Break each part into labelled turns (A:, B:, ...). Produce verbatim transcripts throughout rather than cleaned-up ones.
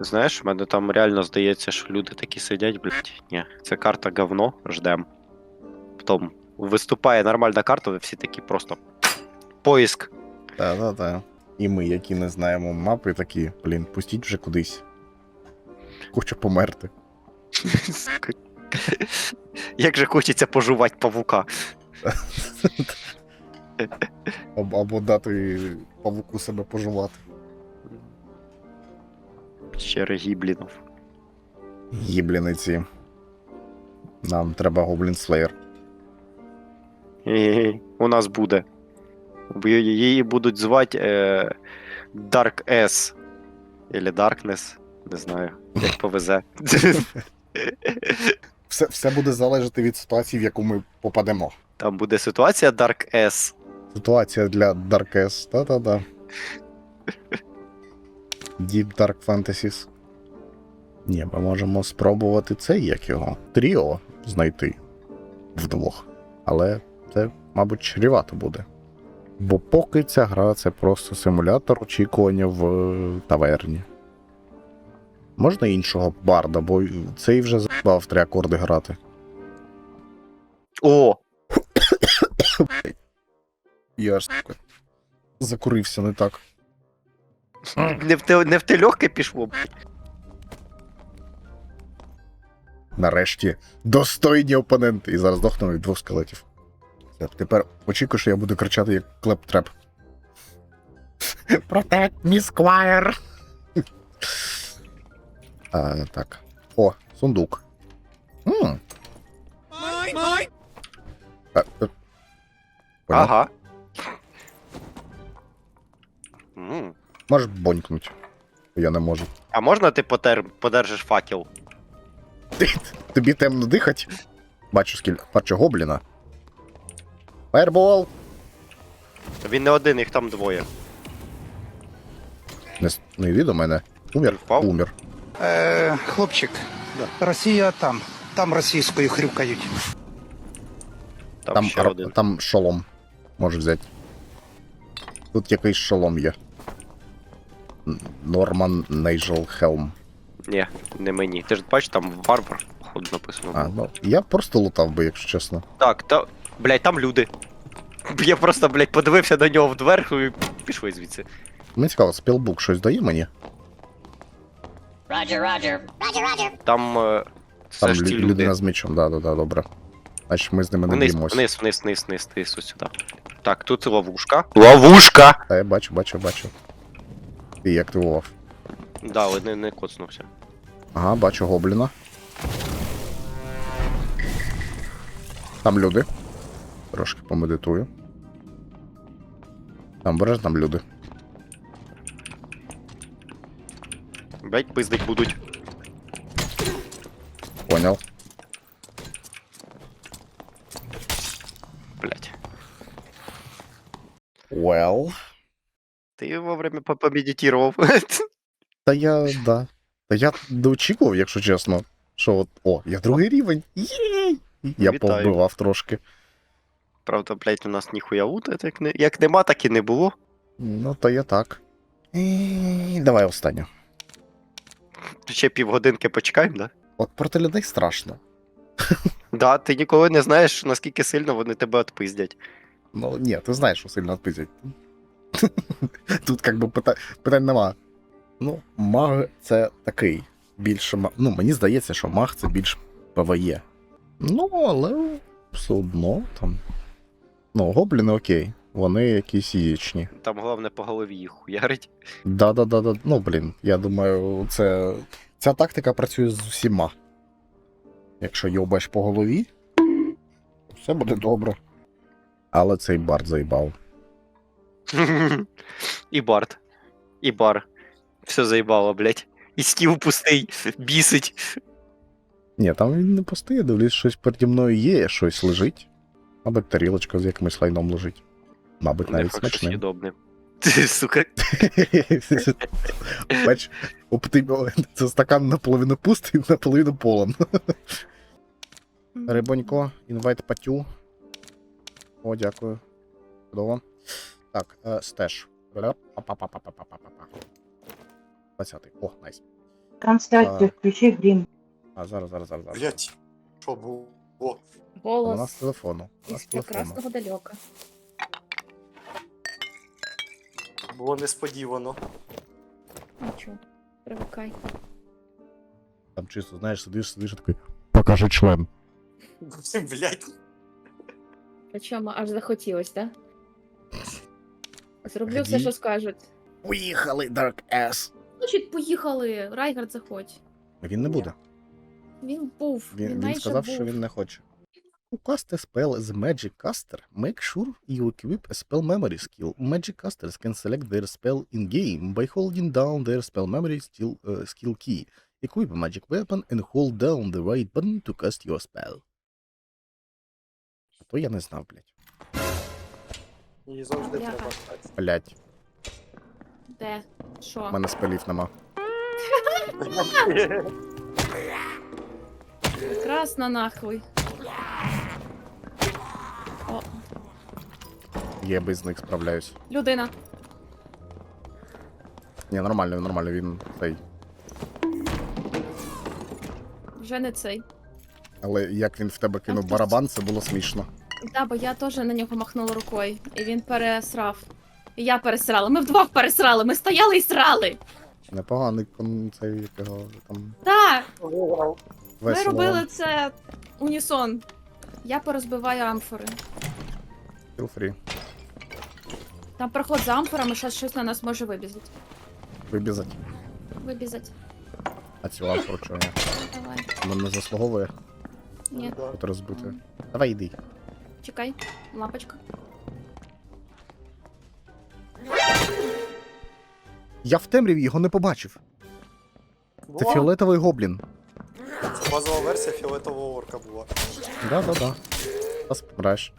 A: Знаєш, в мене там реально здається, що люди такі сидять, блядь. Ні, це карта говно, ждем. Потім виступає нормальна карта, ви всі такі просто поиск.
B: Та-та-та. І ми, які не знаємо мапи, такі, блін, пустіть вже кудись. Хочу померти.
A: Як же хочеться пожувати павука.
B: Або, або дати павуку себе пожувати.
A: Ще гіблінов.
B: Гібліниці. Нам треба Гоблін Слеєр.
A: І у нас буде. Бо її будуть звати е, Dark S. Или Darkness. Не знаю, як повезе.
B: Все, все буде залежати від ситуації, в яку ми попадемо.
A: Там буде ситуація Dark S.
B: Ситуація для Dark S. Та-та-та. Deep Dark Fantasies. Ні, ми можемо спробувати цей, як його, тріо знайти вдвох. Але це, мабуть, чрівато буде. Бо поки ця гра це просто симулятор очікування в таверні. Можна іншого барда, бо цей вже забав три акорди грати.
A: О!
B: Я ж таки закурився не так.
A: Не в те, не в те легке пішло.
B: Нарешті достойні опоненти. І зараз дохну від двох скелетів. Все, тепер очікую, що я буду кричати як клеп-треп. Protect me, Squire! А, так. О, сундук. М. А, е, понял?
A: Ага. М.
B: Можеш бонькнуть. Я не можу.
A: А можна ти потер, подержиш факел?
B: Тобі темно дихать? Бачу скільки. Бачу гобліна. Фаербол!
A: Він не один, їх там двоє.
B: Не, с- не йди до мене. Умір?
A: Впав?
B: Умір.
C: Е, хлопчик, Росія там. Там російською хрюкають.
A: Там,
B: Там,
A: ще
B: ар-
A: один.
B: там шолом. Можеш взяти. Тут якийсь шолом є. Н- Норман Нейджел Хелм.
A: Ні, не мені. Ти ж бачиш, там варвар, походу, написано.
B: А, ну, я просто лутав би, якщо чесно.
A: Так, та. Блять, там люди. Я просто, блять, подивився на нього вдверху і пішли звідси.
B: Мені цікаво, спілбук щось дає мені?
D: Roger, Roger. Roger, Roger.
A: Там. е, Це
B: Там
A: ж ті
B: лю-
A: люди.
B: людина з мечом, да, да, да, добре. Значить, ми з ними не
A: Вниз,
B: б'ємось.
A: вниз, вниз, вниз, вниз, вниз, ось сюди. Так, тут ловушка. Ловушка!
B: Та я бачу, бачу, бачу. Ти її активував.
A: Да, але не, не коцнувся.
B: Ага, бачу гобліна. Там люди. Трошки помедитую. Там береш, там люди.
A: Блять, пиздить будуть.
B: Понял.
A: Блять.
B: Well.
A: Ти вовремя по- помедитував.
B: Та я, да. Та я не очікував, якщо чесно. Що от, о, я другий рівень. Єй! Я
A: Вітаю.
B: повбивав трошки.
A: Правда, блять, у нас ніхуя лута, як, не, як нема, так і не було.
B: Ну, то я так. І... Давай останню.
A: Ще півгодинки почекаємо, да?
B: От проти людей страшно.
A: Да, ти ніколи не знаєш, наскільки сильно вони тебе отпиздять.
B: Ну, ні, ти знаєш, що сильно відпиздять. Тут як би питань, питань нема. Ну, маг це такий. Більше ма- Ну, мені здається, що маг це більш ПВЕ. Ну, але все одно там. Ну, гобліни окей. Вони якісь яєчні.
A: Там головне по голові їх хуярить.
B: Да-да-да-да. Ну, блін, я думаю, це. Ця тактика працює з усіма. Якщо йобаш по голові, все буде добре. Але цей бард заїбав.
A: І бард. І бар. Все заїбало, блять. І стіл пустий, бісить.
B: Ні, там він не пустий, я дивлюсь, щось переді мною є, щось лежить. Мабуть, тарілочка з якимось лайном лежить. Мабуть,
A: Не
B: навіть
A: факт, що
B: смачним.
A: съєдобне. Сука.
B: Бач, оптимі- це стакан наполовину пустий, наполовину полон. Рибонько, інвайт патю. О, дякую. Чудово. Так, е, стеж. Па-па-па-па-па-па-па. двадцятий. О, найс.
D: Трансляцію,
B: А.
D: включи грім.
B: А, зараз, зараз, зараз. зараз.
E: Блять, що було? О,
B: Вона з
F: Голос
B: телефону. Вона з
F: із
B: телефону.
F: прекрасного далека.
E: було несподівано.
F: Нічого, привикай.
B: Там чисто, знаєш, сидиш, сидиш і такий. Покажи член.
E: Блять.
F: Причому аж захотілось, так? Да? Зроблю
B: Тоді-
F: все, що скажуть.
B: Поїхали, Dark Ass.
F: Значить, поїхали. Райгард заходь.
B: Він не буде.
F: Він був.
B: Він, він
F: майже
B: сказав,
F: був.
B: що він не хоче. To cast a spell as a Magic Caster, make sure you equip a spell memory skill. Magic casters can select their spell in-game by holding down their spell memory skill, uh, skill key. Equip a magic weapon and hold down the right button to cast your spell. А то я не знав, блядь.
E: Її завжди
F: Бляха.
E: треба стати.
B: Блядь,
F: Де? Що?
B: в мене спелів нема.
F: Прекрасно нахуй. О,
B: Я без них справляюсь.
F: людина.
B: Ні, нормально, нормально, він цей.
F: Вже не цей.
B: Але як він в тебе кинув
F: Ах,
B: барабан, це було смішно.
F: Да, бо я теж на нього махнула рукою, і він пересрав. І я пересрала. Ми вдвох пересрали. Ми стояли і срали.
B: Непоганий кон цей якого там
F: Так,
E: Вау.
F: ми
B: весело.
F: робили це унісон. Я порозбиваю амфори.
B: Feel free.
F: Там проход за амфорами, щось, щось на нас може вибізати.
B: Вибізать.
F: Вибізати.
B: А цю амфору чого ні?
F: Давай.
B: Вона не заслуговує
F: Ні,
E: Да.
B: бути розбитою. Давай йди.
F: чекай. Лампочка.
B: Я в темряві його не побачив. Це
E: Була?
B: фіолетовий гоблін.
E: Це базова версія фіолетового орка була.
B: Да-да-да. Зараз помреш.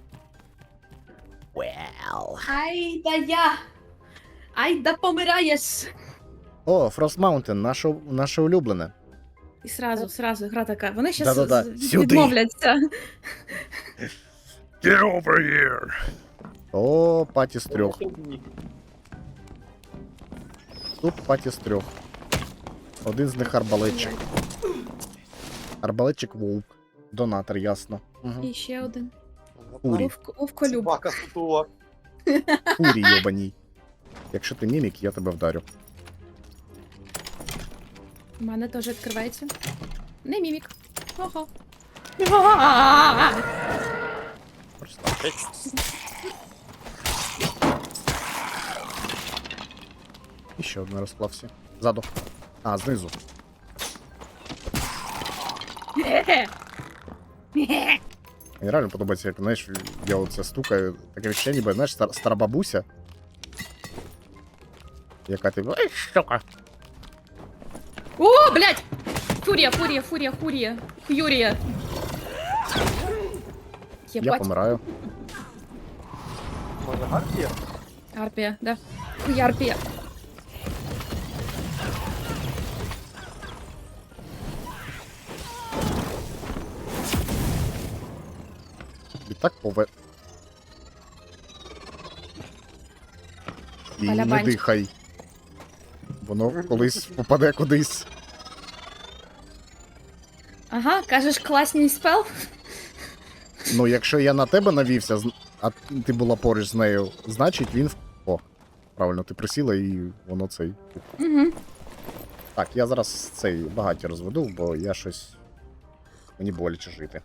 F: Ай да я! Ай да помираєш!
B: О, Frost Mountain, наше, наше улюблене.
F: І сразу, сразу гра така. Вони щас
B: Да-да-да,
F: з-
B: сюди.
F: відмовляться.
B: Get over here! О, паті з трьох. Тут паті з трьох. Один з них арбалетчик. Арбалетчик вовк. Донатор, ясно. Угу.
F: І ще один.
B: Урі.
F: Вовк- Вовколюб.
E: Собака сутула.
B: Фурі йобаній. Якщо ти мімік, я тебе вдарю.
F: У мене теж відкривається. Не мімік. Ого.
B: Просто. І ще один розклався. Ззаду. А, знизу. Мені реально подобається, як, знаєш, я оце стукаю, таке відчуття, ніби, знаєш, стар, стара бабуся. Яка ти. Ой, штука.
F: О, блядь! Фурія, фурія, фурія, фурія. Фюрія.
B: Я
F: Єбать.
B: помираю.
E: Може гарпія?
F: Арпія, да. Хуярпія.
B: І так пове. І не
F: Балябанчик.
B: дихай. Воно колись попаде кудись.
F: Ага, кажеш, класний спел?
B: Ну, якщо я на тебе навівся, зн- а ти була поруч з нею, значить він. в- О, правильно, ти присіла і воно цей.
F: Угу.
B: Так, я зараз цей багаті розведу, бо я щось. Мені боляче жити.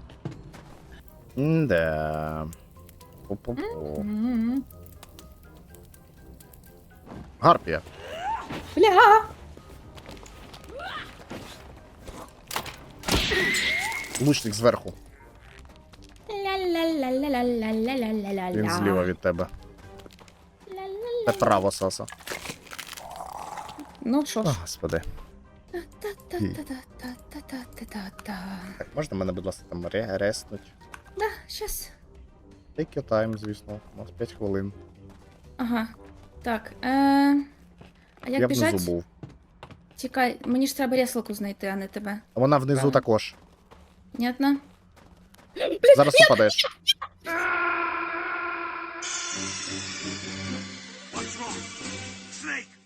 B: М-да. Пу-пу-пу.
F: Угу.
B: Гарпія.
F: Бля!
B: Лучник зверху.
F: Ля-ля-ля-ля-ля-ля-ля-ля-ля-ля.
B: Він зліва від тебе. Це право, Саса.
F: Ну що
B: О,
F: ж.
B: господи.
F: Та-та-та-та-та-та-та-та.
B: Так, можна мене, будь ласка, там ре- реснуть?
F: Да, щас.
B: Take your time, звісно. У нас п'ять хвилин.
F: Ага. Так. Е... А як
B: я
F: біжать?
B: внизу був.
F: Чекай, мені ж треба реслику знайти, а не тебе.
B: А вона внизу
F: Правильно.
B: також.
F: Понятно?
B: Зараз упадеш.
G: What's wrong? Snake!